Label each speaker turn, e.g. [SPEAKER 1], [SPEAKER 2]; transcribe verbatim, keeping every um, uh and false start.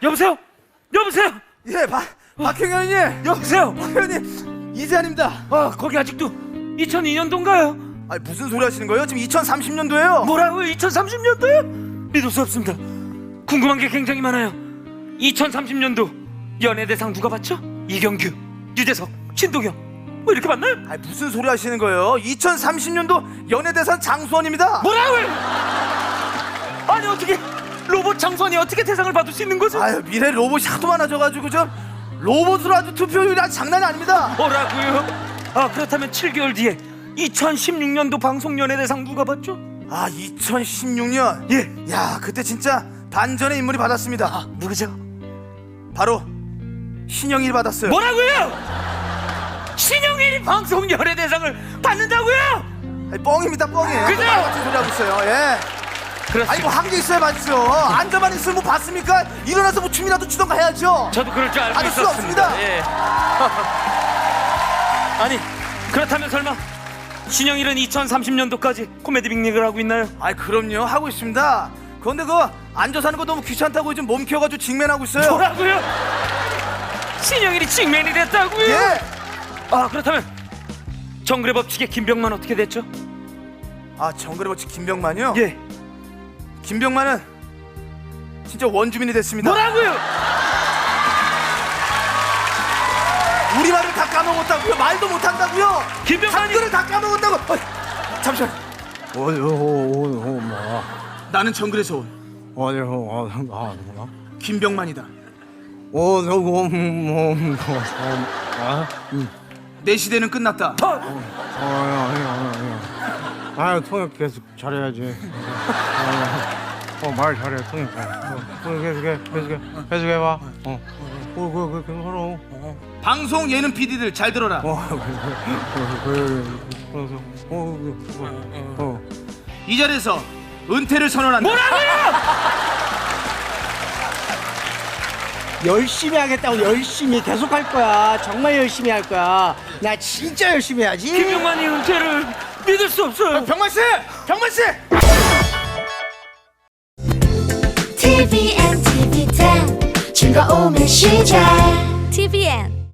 [SPEAKER 1] 여보세요? 여보세요?
[SPEAKER 2] 예, 박 박형현님.
[SPEAKER 1] 여보세요?
[SPEAKER 2] 박형현님 이재한입니다.
[SPEAKER 1] 아, 거기 아직도 이천이 년도인가요?
[SPEAKER 2] 아니 무슨 소리 하시는 거예요? 지금 이천삼십 년도예요.
[SPEAKER 1] 뭐라고요? 이천삼십 년도요? 믿을 수 없습니다. 궁금한 게 굉장히 많아요. 이천삼십 년도 연예대상 누가 받죠? 이경규, 유재석, 신동엽 뭐 이렇게 받나요?
[SPEAKER 2] 아니 무슨 소리 하시는 거예요? 이천삼십 년도 연예대상 장수원입니다.
[SPEAKER 1] 뭐라고요? 아니 어떻게 로봇 장수원이 어떻게 대상을 받을 수 있는 거죠?
[SPEAKER 2] 아유 미래 로봇이 하도 많아져가지고 좀 로봇으로 아주 투표율이 아주 장난이 아닙니다.
[SPEAKER 1] 뭐라고요? 아 그렇다면 칠 개월 뒤에 이천십육 년도 방송연예대상 누가 받죠?
[SPEAKER 2] 아 이천십육 년.
[SPEAKER 1] 예.
[SPEAKER 2] 야 그때 진짜 반전의 인물이 받았습니다.
[SPEAKER 1] 아 누구죠?
[SPEAKER 2] 바로 신영일이 받았어요.
[SPEAKER 1] 뭐라고요? 신영일이 방송연예대상을 받는다고요?
[SPEAKER 2] 아니, 뻥입니다 뻥이에요.
[SPEAKER 1] 그죠?
[SPEAKER 2] 말 같은 소리 하고 있어요. 예.
[SPEAKER 1] 그렇습니다.
[SPEAKER 2] 아니 뭐 한 게 있어야 맞죠. 앉아만 있으면 뭐 봤습니까? 일어나서 뭐 춤이라도 추던가 해야죠.
[SPEAKER 1] 저도 그럴 줄 알고
[SPEAKER 2] 아닐 수
[SPEAKER 1] 있었습니다.
[SPEAKER 2] 없습니다.
[SPEAKER 1] 예. 아니 그렇다면 설마 신영일은 이천삼십 년도까지 코미디 빅리그를 하고 있나요?
[SPEAKER 2] 아이 그럼요 하고 있습니다. 그런데 그거 앉아서 하는 거 너무 귀찮다고 요즘 몸 키워가지고 직맨하고 있어요.
[SPEAKER 1] 뭐라고요? 신영일이 직맨이 됐다고요?
[SPEAKER 2] 예.
[SPEAKER 1] 아 그렇다면 정글의 법칙의 김병만 어떻게 됐죠?
[SPEAKER 2] 아 정글의 법칙 김병만이요?
[SPEAKER 1] 예.
[SPEAKER 2] 김병만은 진짜 원주민이 됐습니다.
[SPEAKER 1] 뭐라고요?
[SPEAKER 2] 우리 말을 다 까먹었다고요? 말도 못한다고요?
[SPEAKER 1] 김병만이
[SPEAKER 2] 한글을 다 까먹었다고. 어이, 잠시만.
[SPEAKER 3] 어디서
[SPEAKER 2] 나는 정글에서 온
[SPEAKER 3] 어디서
[SPEAKER 2] 김병만이다.
[SPEAKER 3] 어디서
[SPEAKER 2] 내 시대는 끝났다.
[SPEAKER 3] 아 통역 계속 잘해야지. 어말 잘해 통역 잘. 계속해 계속해 계속해 봐. 어. 어그그 계속 하러.
[SPEAKER 2] 방송 예능 피디들 잘 들어라.
[SPEAKER 3] 어 그래 그래서 어 어.
[SPEAKER 2] 이 자리에서 은퇴를 선언한다.
[SPEAKER 1] 뭐라고요?
[SPEAKER 4] 열심히 하겠다고 열심히 계속 할 거야. 정말 열심히 할 거야. 나 진짜 열심히 해야지.
[SPEAKER 1] 김병만이 은퇴를 믿을 수 없어요.
[SPEAKER 2] 병만 씨, 병만 씨.
[SPEAKER 5] 티비엔 티비 텐 즐거움의 시작 티비엔